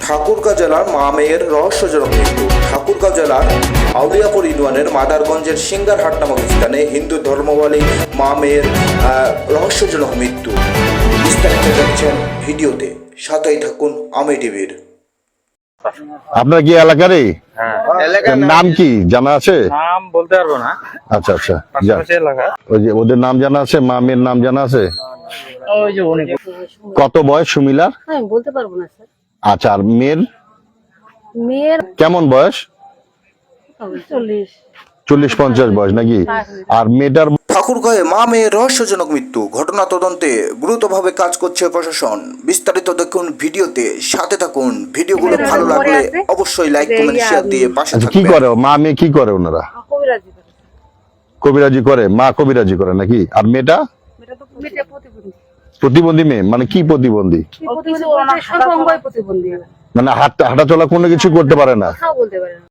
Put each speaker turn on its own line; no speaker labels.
ঠাকুরগাঁও জেলার মা মেয়ের রহস্যজনক মৃত্যু। ঠাকুরগাঁও জেলার আউলিয়াপুর ইউনিয়নের মাদারগঞ্জের সিঙ্গারহাট নামক স্থানে হিন্দু ধর্মাবলম্বী মা মেয়ের রহস্যজনক মৃত্যু। বিস্তারিত দেখছেন ভিডিওতে, সাথেই থাকুন আমি টিভির।
আপনার কি এলাকারই? নাম কি জানা আছে?
নাম বলতে পারবো না।
আচ্ছা আচ্ছা,
পাশাপাশি এলাকা।
ওই যে ওদের নাম জানা আছে, মা মেয়ের নাম জানা আছে?
ওই যে উনি
কত বয়স সুমিলার?
আমি বলতে পারবো না স্যার।
আচ্ছা, আর মেয়ের
মেয়ের
কেমন বয়স? 40-50 বয়স নাকি? আর মেয়েটার
ঠাকুরগাঁয়ে মা মেয়ের রহস্যজনক মৃত্যু ঘটনা তদন্তে গুরুত্বভাবে কাজ করছে প্রশাসন। বিস্তারিত দেখুন ভিডিওতে, সাথে থাকুন। ভিডিওগুলো ভালো লাগলে অবশ্যই লাইক কমেন্ট শেয়ার দিয়ে পাশে
আচ্ছা, কি
থাকবেন।
করে মা মেয়ে, কি করে ওনারা?
কবিরাজি করে।
কবিরাজি করে, মা কবিরাজি করে নাকি? আর মেয়েটা
মেয়েটা প্রতিবন্ধী।
প্রতিবন্ধী মেয়ে, মানে কি প্রতিবন্ধী?
প্রতিবন্ধী বলতে সব অঙ্গই প্রতিবন্ধী।
মানে হাঁটা চলা কোনো কিছু করতে পারে না?
কথাও বলতে পারে না।